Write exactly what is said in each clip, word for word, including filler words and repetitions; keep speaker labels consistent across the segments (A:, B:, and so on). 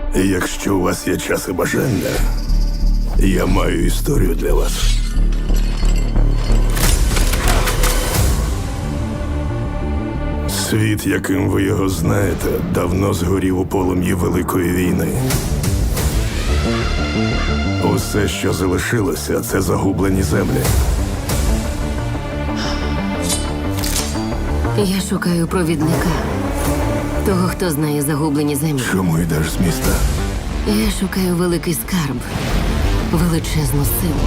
A: Якщо у вас є час і бажання, я маю історію для вас. Світ, яким ви його знаєте, давно згорів у полум'ї Великої війни. Усе, що залишилося, це загублені землі.
B: Я шукаю провідника. Того, хто знає загублені землі.
A: Чому йдеш з міста?
B: Я шукаю великий скарб. Величезну силу.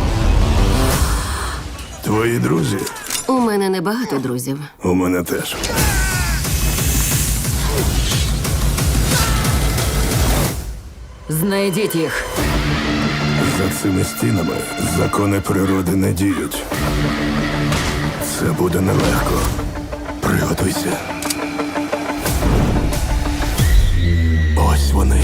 A: Твої друзі?
B: У мене небагато друзів.
A: У мене теж.
B: Знайдіть їх.
A: За цими стінами закони природи не діють. Це буде нелегко. Приготуйся. Ось вони.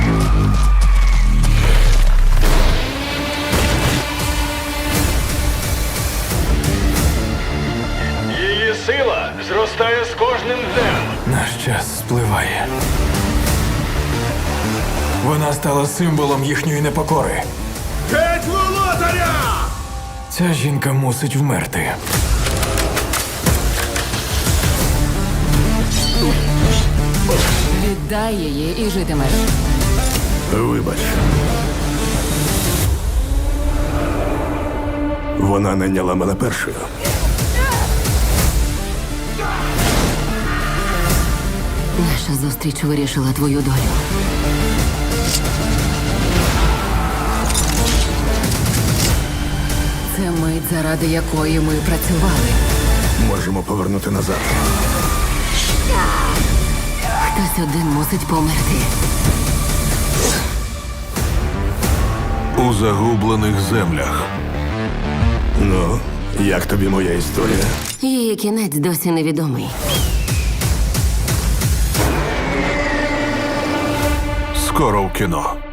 C: Її сила зростає з кожним днем.
D: Наш час спливає. Вона стала символом їхньої непокори.
C: Геть володаря!
D: Ця жінка мусить вмерти.
B: Віддай її і житимеш.
A: Вибач. Вона найняла мене першою.
B: Наша зустріч вирішила твою долю. Це мить, заради якої ми працювали.
A: Можемо повернути назад.
B: Хтось один мусить померти.
A: У загублених землях. Ну, як тобі моя історія?
B: Її кінець досі невідомий.
A: Скоро в кіно.